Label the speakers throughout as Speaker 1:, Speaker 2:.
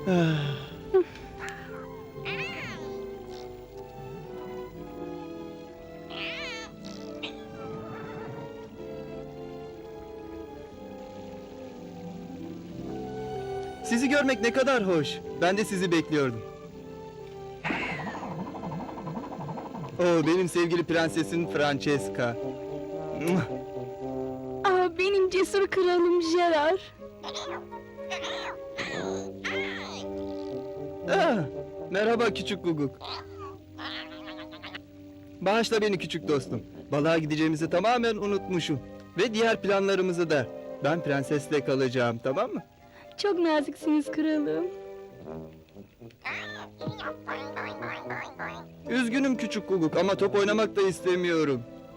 Speaker 1: Sizi görmek ne kadar hoş. Ben de sizi bekliyordum. Benim sevgili prensesim Francesca.
Speaker 2: Benim cesur kralım Gerard.
Speaker 1: Merhaba küçük Guguk. Bağışla beni küçük dostum. Balığa gideceğimizi tamamen unutmuşum. Ve diğer planlarımızı da. Ben prensesle kalacağım, tamam mı?
Speaker 2: Çok naziksiniz kralım.
Speaker 1: Üzgünüm küçük Guguk ama top oynamak da istemiyorum.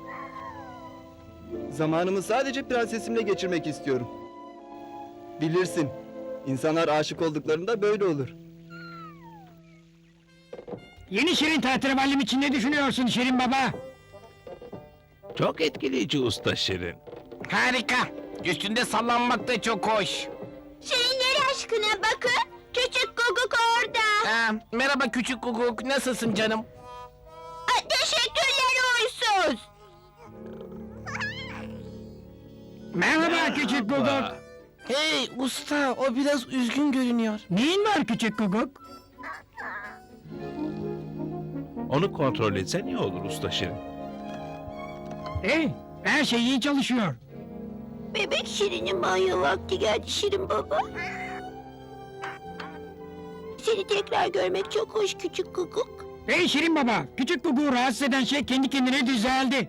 Speaker 1: Zamanımı sadece prensesimle geçirmek istiyorum. Bilirsin, insanlar aşık olduklarında böyle olur.
Speaker 3: Yeni Şirin tahterevallim için ne düşünüyorsun Şirin Baba?
Speaker 4: Çok etkileyici usta Şirin.
Speaker 5: Harika. Üstünde sallanmak da çok hoş.
Speaker 2: Şirinler aşkına bakın. Küçük Guguk orada.
Speaker 5: Merhaba küçük Guguk. Nasılsın canım?
Speaker 2: Teşekkürler uysuz.
Speaker 3: Merhaba küçük Guguk.
Speaker 5: Hey usta, o biraz üzgün görünüyor.
Speaker 3: Neyin var küçük Guguk?
Speaker 4: Onu kontrol etsen iyi olur usta Şirin.
Speaker 3: Hey, her şey iyi çalışıyor.
Speaker 2: Bebek Şirin'in banyo vakti geldi Şirin Baba. Seni tekrar görmek çok hoş küçük Guguk.
Speaker 3: Hey Şirin Baba, küçük Guguk'u rahatsız eden şey kendi kendine düzeldi.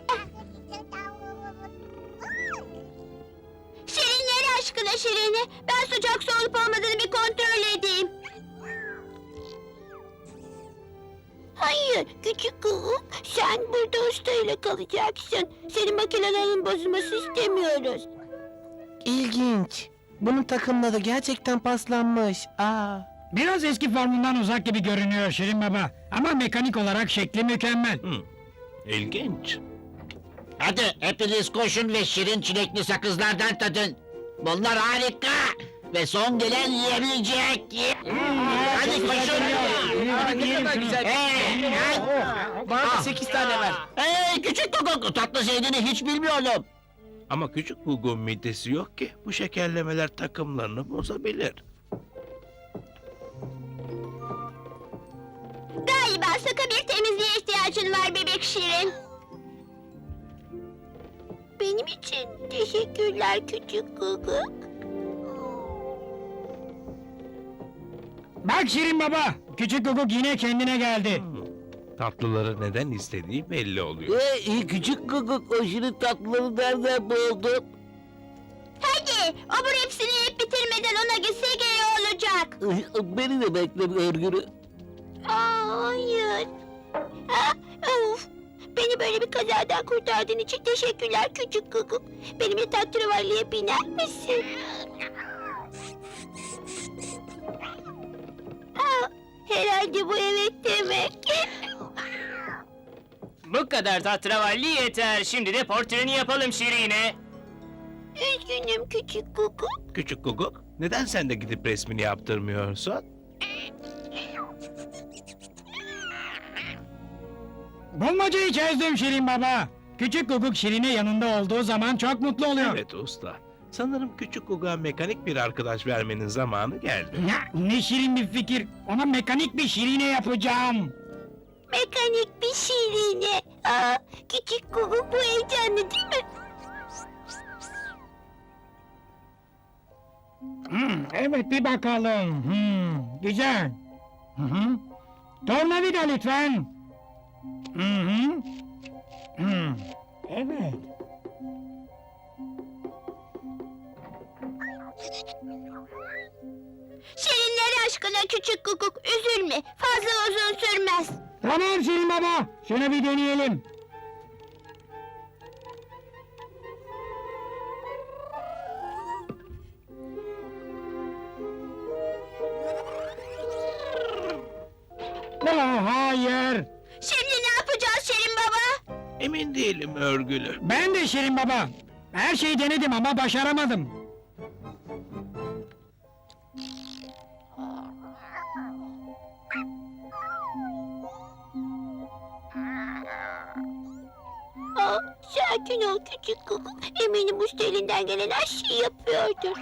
Speaker 2: Şirinler aşkına Şirin'i. Ben sıcak su olup olmadığını bir kontrol edeyim. Hayır küçük Guguk. Sen burada ustayla kalacaksın. Senin makinelerin bozulması istemiyoruz.
Speaker 5: İlginç. Bunun takımları gerçekten paslanmış.
Speaker 3: Biraz eski formundan uzak gibi görünüyor Şirin Baba. Ama mekanik olarak şekli mükemmel.
Speaker 4: İlginç.
Speaker 6: Hadi hepiniz koşun ve şirin çilekli sakızlardan tadın. Bunlar harika ve son gelen yiyebilecek. Hadi koşun.
Speaker 5: Ne kadar güzel. Bana da 8 tane ver.
Speaker 6: Hey küçük Guguk, tatlı sevdiğini hiç bilmiyorum.
Speaker 4: Ama küçük Guguk'un midesi yok ki. Bu şekerlemeler takımlarını bozabilir.
Speaker 2: Galiba sıkı bir temizliğe ihtiyacın var bebek Şirin. Benim için teşekkürler küçük Guguk.
Speaker 3: Bak Şirin Baba, küçük Guguk yine kendine geldi.
Speaker 4: Tatlıları neden istediği belli oluyor.
Speaker 6: Küçük Guguk, o şirin tatlıları nereden buldun?
Speaker 2: Hadi obur hepsini yiyip bitirmeden ona gitse iyi olacak.
Speaker 6: Beni de bekle örgülü.
Speaker 2: Hayır. Of. Beni böyle bir kazadan kurtardığın için teşekkürler küçük Guguk. Benimle tahterevalliye biner misin? Herhalde bu evet demek.
Speaker 7: Bu kadar tatravalli yeter. Şimdi de portreni yapalım Şirin'e.
Speaker 2: Üzgünüm küçük Guguk.
Speaker 4: Küçük Guguk, neden sen de gidip resmini yaptırmıyorsun?
Speaker 3: Bulmacayı çözdüm Şirin Baba. Küçük Guguk Şirin'e yanında olduğu zaman çok mutlu oluyor.
Speaker 4: Evet usta. Sanırım küçük Guguk'a mekanik bir arkadaş vermenin zamanı geldi.
Speaker 3: Ya, ne şirin bir fikir. Ona mekanik bir Şirine yapacağım.
Speaker 2: Mekanik bir Şirine. Küçük Guguk bu heyecanlı değil mi?
Speaker 3: Evet bir bakalım. Güzel. Tornavida lütfen. Evet.
Speaker 2: Şirinler aşkına küçük Guguk üzülme. Fazla uzun sürmez.
Speaker 3: Tamam Şirin Baba. Şunu bir deneyelim. Hayır.
Speaker 2: Şimdi ne yapacağız Şirin Baba?
Speaker 4: Emin değilim örgülü.
Speaker 3: Ben de Şirin Baba. Her şeyi denedim ama başaramadım.
Speaker 2: Sakin ol küçük Guguk. Eminim usta elinden gelen her şeyi yapıyordur.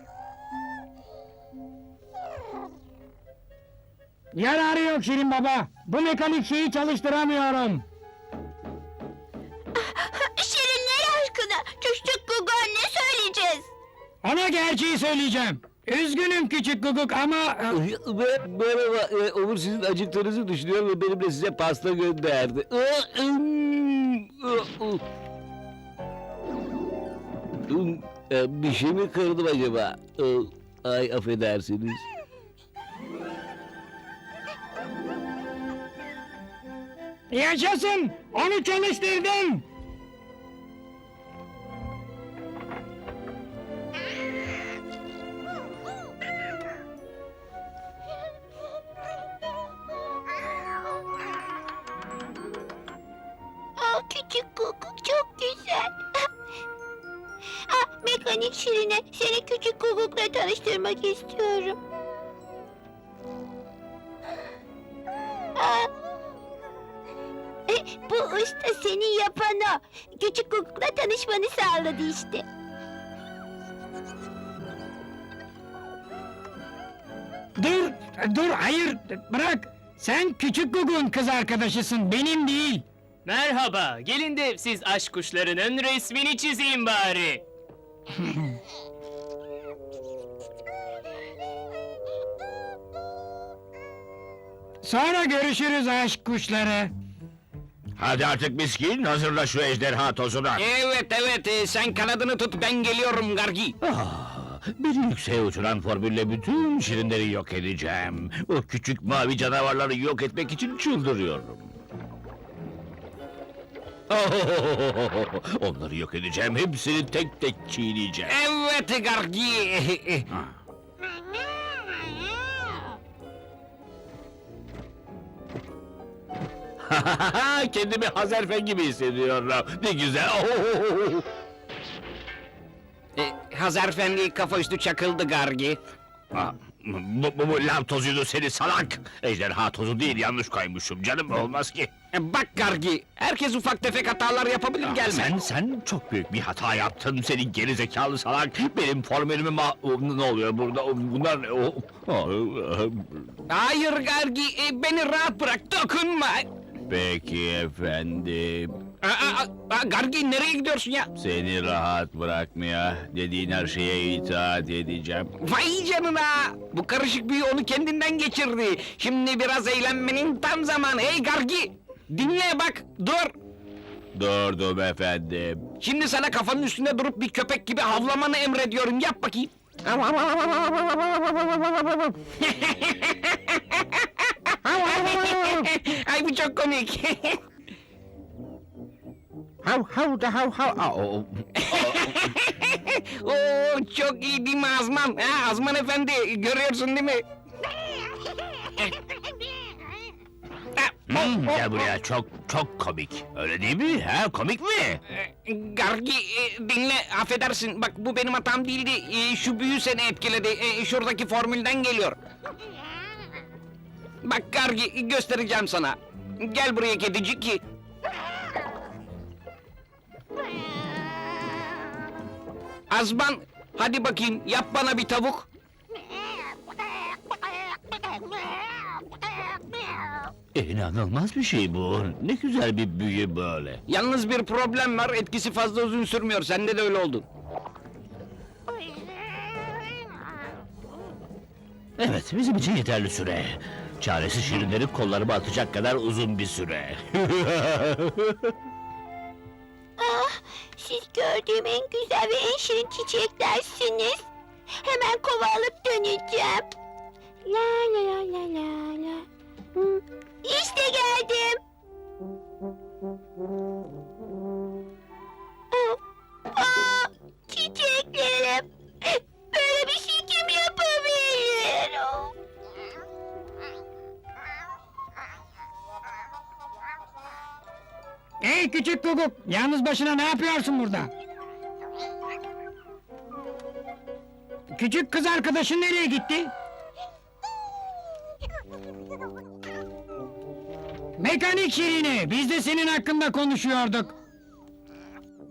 Speaker 3: Yararı yok Şirin Baba. Bu mekanik şeyi çalıştıramıyorum.
Speaker 2: Şirinler aşkına küçük Guguk'a ne söyleyeceğiz?
Speaker 3: Ona gerçeği söyleyeceğim. Üzgünüm küçük Guguk ama...
Speaker 8: Merhaba, Umur sizin acıktığınızı düşünüyor ve benimle size pasta gönderdi. Bir şey mi kırdım acaba? Ay affedersiniz.
Speaker 3: Yaşasın! Onu çalıştırdım!
Speaker 2: Küçük Guguk çok güzel. Mekanik Şirine seni küçük Guguk'la tanıştırmak istiyorum. Bu usta seni yapan o. Küçük Guguk'la tanışmanı sağladı işte.
Speaker 3: Dur, hayır, bırak! Sen küçük Guguk'un kız arkadaşısın, benim değil!
Speaker 7: Merhaba, gelin de siz aşk kuşlarının resmini çizeyim bari.
Speaker 3: Sonra görüşürüz aşk kuşları.
Speaker 6: Hadi artık miskin, hazırla şu ejderha tozunu.
Speaker 5: Evet, sen kanadını tut, ben geliyorum Gargi.
Speaker 6: Beni yükseğe uçuran formülle bütün şirinleri yok edeceğim. O küçük mavi canavarları yok etmek için çıldırıyorum. Onları yok edeceğim, hepsini tek tek çiğneyeceğim.
Speaker 5: Evet Gargi.
Speaker 6: Kendimi Hazerfen gibi hissediyorum. Ne güzel.
Speaker 5: Hazarfendi kafa üstü çakıldı Gargi.
Speaker 6: Bu lav tozuydu seni salak. Ejderha tozu değil, yanlış koymuşum canım, olmaz ki.
Speaker 5: Bak Gargi, herkes ufak tefek hatalar yapabilir, gelme.
Speaker 6: Sen çok büyük bir hata yaptın, senin geri zekalı salak. Benim formülümü ne oluyor burada? Bunlar ne?
Speaker 5: Hayır Gargi, beni rahat bırak, dokunma.
Speaker 6: Peki efendim.
Speaker 5: Gargi nereye gidiyorsun ya?
Speaker 6: Seni rahat bırakmaya, dediğin her şeye itaat edeceğim.
Speaker 5: Vay canına! Bu karışık büyü onu kendinden geçirdi. Şimdi biraz eğlenmenin tam zamanı. Hey Gargi! Dinle bak, dur!
Speaker 6: Durdum efendim.
Speaker 5: Şimdi sana kafanın üstünde durup bir köpek gibi havlamanı emrediyorum. Yap bakayım. Ay bu çok komik. Oo, çok iyi değil mi Azman? Ha, Azman efendi, görüyorsun değil mi?
Speaker 6: Gel buraya, çok komik. Öyle değil mi? Ha, komik mi?
Speaker 5: Gargi, dinle, affedersin. Bak bu benim hatam değildi. Şu büyü seni etkiledi. Şuradaki formülden geliyor. Bak Gargi, göstereceğim sana. Gel buraya kedicik. Azman, hadi bakayım, yap bana bir tavuk.
Speaker 6: İnanılmaz bir şey bu. Ne güzel bir büyü böyle.
Speaker 5: Yalnız bir problem var, etkisi fazla uzun sürmüyor. Sende de öyle oldu.
Speaker 6: Evet, bizim için yeterli süre. Çaresiz şirinlerin kollarıma atacak kadar uzun bir süre.
Speaker 2: Siz gördüğüm en güzel ve en şirin çiçeklersiniz. Hemen kova alıp döneceğim. La la la la la la. İşte geldim. Çiçeklerim. Böyle bir şey kim yapabilir?
Speaker 3: Hey küçük Guguk, yalnız başına ne yapıyorsun burada? Küçük kız arkadaşın nereye gitti? Mekanik Şirine, biz de senin hakkında konuşuyorduk.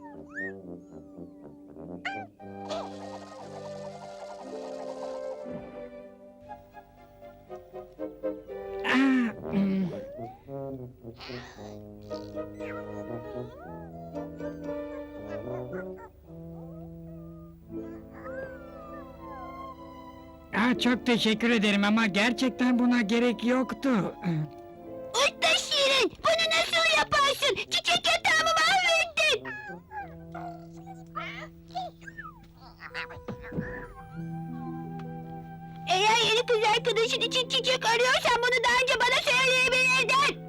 Speaker 3: Çok teşekkür ederim ama gerçekten buna gerek yoktu.
Speaker 2: Usta Şirin, bunu nasıl yaparsın? Çiçek yatağımı mahvettin. Eğer yeni kız arkadaşın için çiçek arıyorsan bunu daha önce bana söyleyebilirdin.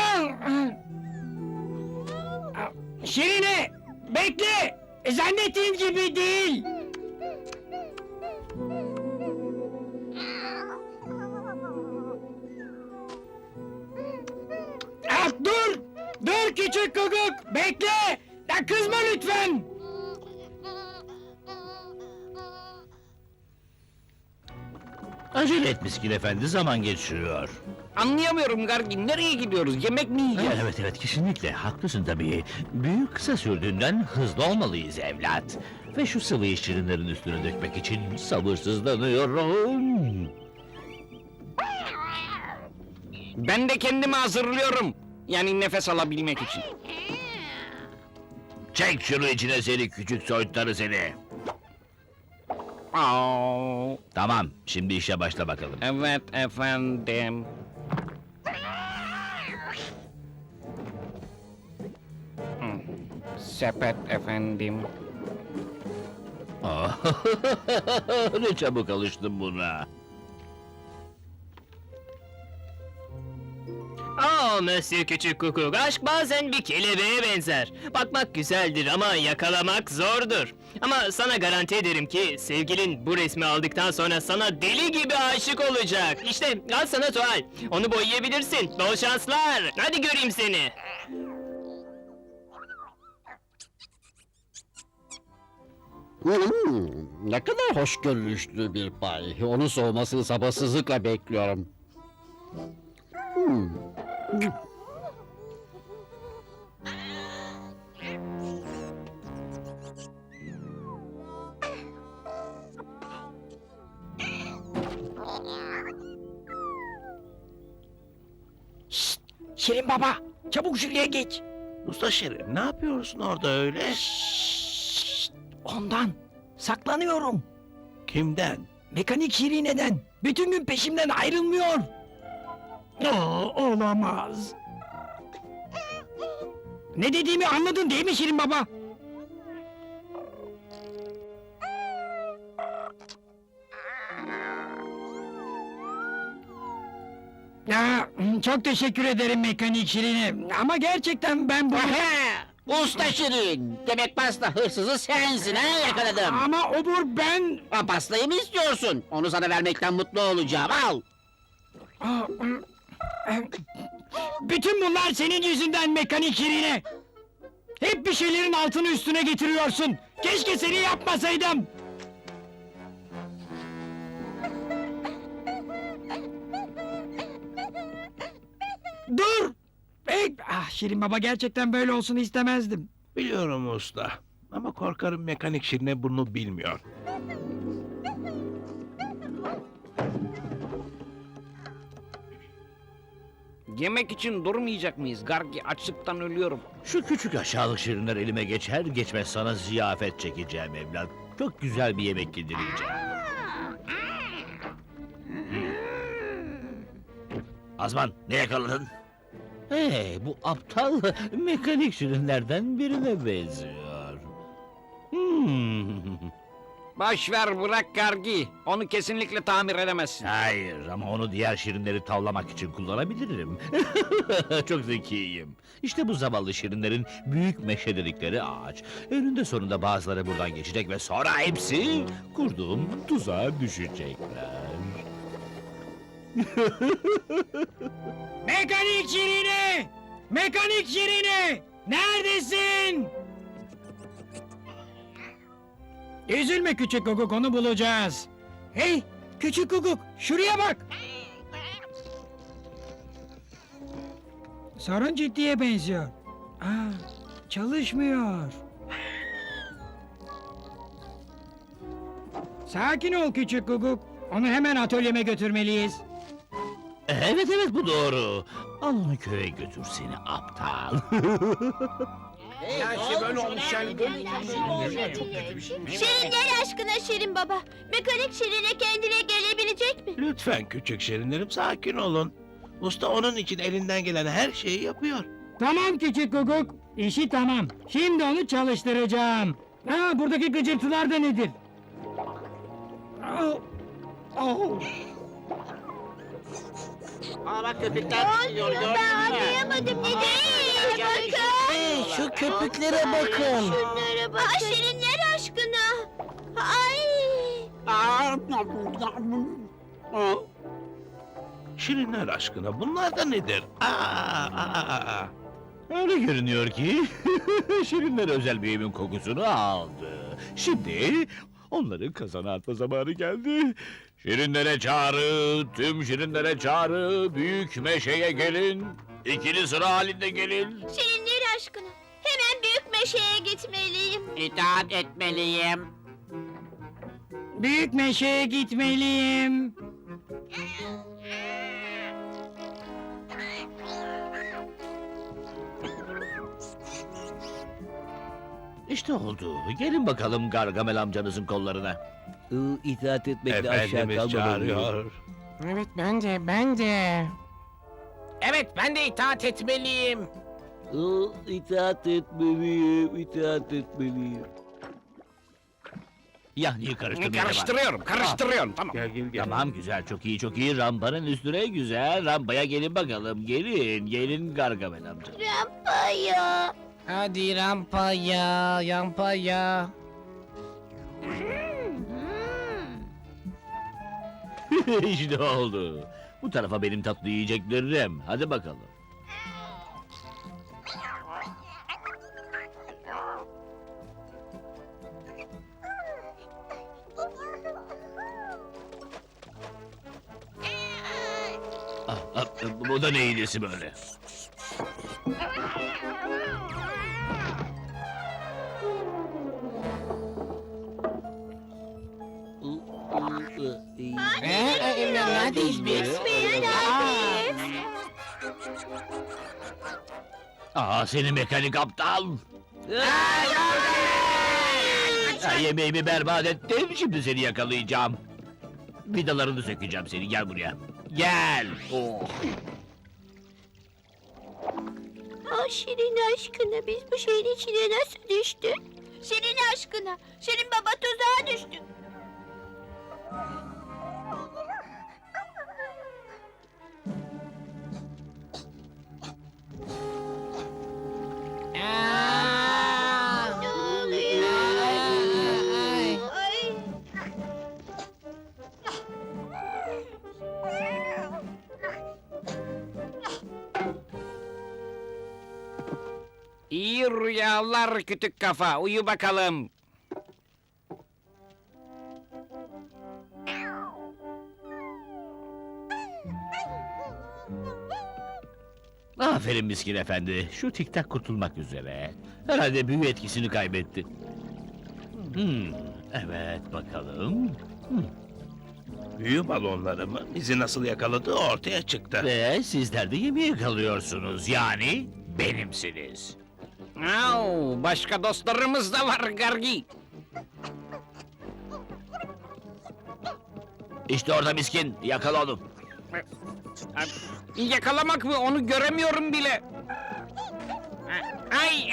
Speaker 3: Şirine, bekle! Zannettiğin gibi değil. Dur! Dur küçük Guguk, bekle! Ya kızma lütfen!
Speaker 8: Acele et miskin efendi, zaman geçiyor.
Speaker 5: Anlayamıyorum Gargi, nereye gidiyoruz? Yemek mi yiyeceğiz?
Speaker 8: Evet, kesinlikle haklısın tabii. Büyük kısa sürdüğünden hızlı olmalıyız evlat. Ve şu sıvıyı şirinlerin üstüne dökmek için sabırsızlanıyorum.
Speaker 5: Ben de kendimi hazırlıyorum. Yani nefes alabilmek için.
Speaker 8: Çek şunu içine seni küçük soytarı seni.
Speaker 5: Aa,
Speaker 8: Tamam, şimdi işe başla bakalım.
Speaker 5: evet efendim. Sepet efendim.
Speaker 8: Ne çabuk alıştım buna.
Speaker 7: Monsieur Küçük Kukuk, aşk bazen bir kelebeğe benzer. Bakmak güzeldir ama yakalamak zordur. Ama sana garanti ederim ki sevgilin bu resmi aldıktan sonra sana deli gibi aşık olacak. İşte al sana tuval. Onu boyayabilirsin. Bol şanslar. Hadi göreyim seni.
Speaker 9: Ne kadar hoşgörülüşlü bir pay. Onun soğumasını sabırsızlıkla bekliyorum.
Speaker 3: Şirin baba, çabuk şuraya geç.
Speaker 4: Usta Şirin, ne yapıyorsun orada öyle?
Speaker 3: Ondan, saklanıyorum.
Speaker 4: Kimden?
Speaker 3: Mekanik Şirine'den, bütün gün peşimden ayrılmıyor. Olamaz. Ne dediğimi anladın değil mi Şirin baba? Çok teşekkür ederim Mekanik Şirine. Ama gerçekten ben bu...
Speaker 6: Usta Şirin, demek pasta hırsızı sensin ha, yakaladım.
Speaker 3: Ama obur ben...
Speaker 6: Ha, pastayı mı istiyorsun? Onu sana vermekten mutlu olacağım, al.
Speaker 3: Bütün bunlar senin yüzünden Mekanik Şirine. Hep bir şeylerin altını üstüne getiriyorsun. Keşke seni yapmasaydım. Dur! Şirin baba, gerçekten böyle olsun istemezdim.
Speaker 4: Biliyorum usta. Ama korkarım mekanik Şirine bunu bilmiyor.
Speaker 5: Yemek için durmayacak mıyız? Gargi, açlıktan ölüyorum.
Speaker 8: Şu küçük aşağılık şirinler elime geçer geçmez sana ziyafet çekeceğim evlat. Çok güzel bir yemek yedireceğim. Azman, ne yakaladın? Hey, bu aptal mekanik şirinlerden birine benziyor.
Speaker 5: Boş ver, bırak Gargi. Onu kesinlikle tamir edemezsin.
Speaker 8: Hayır, ama onu diğer şirinleri tavlamak için kullanabilirim. Çok zekiyim. İşte bu zavallı şirinlerin büyük meşe dedikleri ağaç. Önünde sonunda bazıları buradan geçecek ve sonra hepsi kurduğum tuzağa düşecekler.
Speaker 3: Mekanik Şirine! Mekanik Şirine! Neredesin? Üzülme küçük Guguk, onu bulacağız. Hey, küçük Guguk, şuraya bak! Sorun ciddiye benziyor. Çalışmıyor. Sakin ol küçük Guguk. Onu hemen atölyeme götürmeliyiz.
Speaker 8: Evet, bu doğru. Al onu köye götür seni aptal.
Speaker 2: Şirinler aşkına Şirin baba. Mekanik Şirin'e kendine gelebilecek mi?
Speaker 4: Lütfen küçük şirinlerim sakin olun. Usta onun için elinden gelen her şeyi yapıyor.
Speaker 3: Tamam küçük guguk. İşi tamam. Şimdi onu çalıştıracağım. Ha, buradaki gıcırtılar da nedir? Au, au.
Speaker 6: Aa bak köpekler gidiyor gördün
Speaker 2: Ben
Speaker 6: mü?
Speaker 2: anlayamadım ne değil. Bakın.
Speaker 5: Şu köpüklere bakın.
Speaker 2: Şunlara bakın. Aa, Şirinler aşkına. Ay.
Speaker 4: Şirinler aşkına bunlar da nedir?
Speaker 8: Öyle görünüyor ki şirinler özel bir evin kokusunu aldı. Şimdi onları kazana atma zamanı geldi. Şirinlere çağrı, tüm şirinlere çağrı, büyük meşeye gelin. İkili sıra halinde gelin.
Speaker 2: Şirinler aşkına. Hemen büyük meşeye gitmeliyim.
Speaker 6: İtaat etmeliyim.
Speaker 3: Büyük meşeye gitmeliyim.
Speaker 8: İşte oldu. Gelin bakalım Gargamel amcanızın kollarına.
Speaker 1: İtaat etmekle
Speaker 4: Efendimiz çağırıyor.
Speaker 5: Evet ben de itaat etmeliyim.
Speaker 1: İtaat etmeliyim.
Speaker 8: Yahnıyı karıştırmaya
Speaker 5: Karıştırıyorum tamam.
Speaker 4: Gel.
Speaker 8: Tamam güzel çok iyi rampanın üstüne güzel rampaya gelin bakalım gelin Gargamel amca.
Speaker 2: Rampaya.
Speaker 5: Hadi rampaya.
Speaker 8: İşte oldu. Bu tarafa benim tatlı yiyeceklerim. Hadi bakalım. Bu da neyin nesi böyle?
Speaker 5: Neredeyiz biz?
Speaker 8: Seni mekanik aptal! Yemeğimi berbat ettim, şimdi seni yakalayacağım. Vidalarını sökeceğim seni, gel buraya. Gel! Oh.
Speaker 2: Aa, Şirin aşkına biz bu şeyin içine nasıl düştük? Şirin aşkına. Şirin baba tuzağa düştü. Ne oluyor? Ay.
Speaker 5: İyi rüyalar kütük kafa. Uyu bakalım.
Speaker 8: Aferin miskin efendi, şu tiktak kurtulmak üzere. Herhalde büyü etkisini kaybetti. Evet, bakalım.
Speaker 4: Büyü balonlarımı bizi nasıl yakaladığı ortaya çıktı.
Speaker 8: Ve sizler de yemeğe kalıyorsunuz, yani benimsiniz.
Speaker 5: Au, başka dostlarımız da var Gargi.
Speaker 8: İşte orada miskin, yakala onu.
Speaker 5: Yakalamak mı? Onu göremiyorum bile. Ay.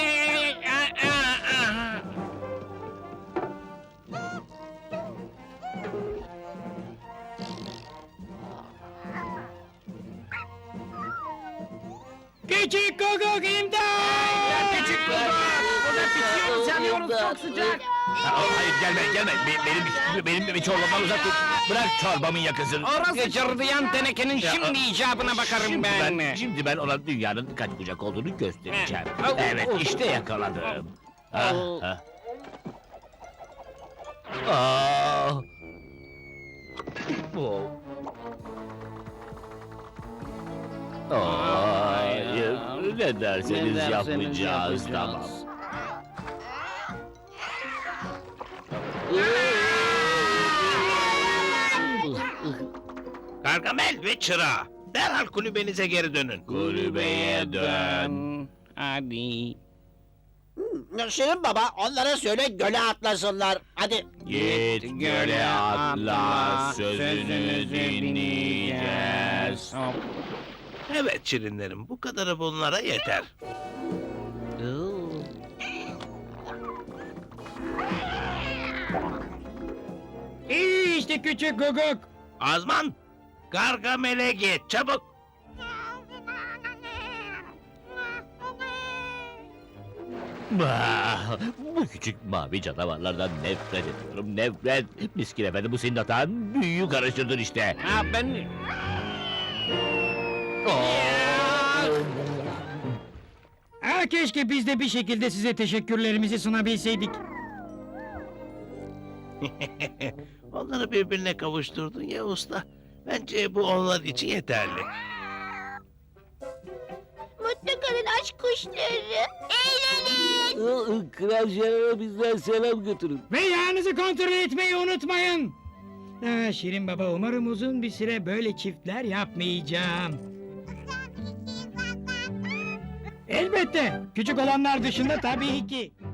Speaker 3: Küçük guguk imdat!
Speaker 5: Küçük kızlar, burada pişiyor sanıyorum çok sıcak.
Speaker 8: Hayır, gelme. Benim çorbamdan uzak dur. Bırak çorbamın yakasını.
Speaker 5: Orası cırdıyan tenekenin şimdi icabına bakarım ben.
Speaker 8: Şimdi ben ona dünyanın kaç bucak olduğunu göstereceğim.
Speaker 5: Au,
Speaker 8: Evet,
Speaker 5: au.
Speaker 8: işte yakaladım.
Speaker 5: Au.
Speaker 8: Hayır, ne derseniz yapmayacağız, tamam.
Speaker 4: Gargamel ve çırağı. Derhal kulübenize geri dönün.
Speaker 5: Kulübeye dön. Hadi.
Speaker 6: Şirin baba onlara söyle göle atlasınlar. Hadi.
Speaker 8: Git göle atla, sözünü dinleyeceğiz.
Speaker 4: Evet şirinlerim, bu kadarı bunlara yeter.
Speaker 3: İyi işte küçük Guguk.
Speaker 4: Azman, Gargamel'e git çabuk.
Speaker 8: Bah, bu küçük mavi canavarlardan nefret ediyorum, nefret. Miskin efendi bu senin hatan, büyüyü karıştırdın işte.
Speaker 5: Ha ben...
Speaker 3: Ha, keşke biz de bir şekilde size teşekkürlerimizi sunabilseydik.
Speaker 4: Onları birbirine kavuşturdun ya usta. Bence bu onlar için yeterli.
Speaker 2: Mutlu kalın aşk kuşları. Eğlenin.
Speaker 9: Kral Şener'e bizden selam götürün.
Speaker 3: Ve yağınızı kontrol etmeyi unutmayın. Ha, Şirin Baba, umarım uzun bir süre böyle çiftler yapmayacağım. Elbette, küçük olanlar dışında tabii ki.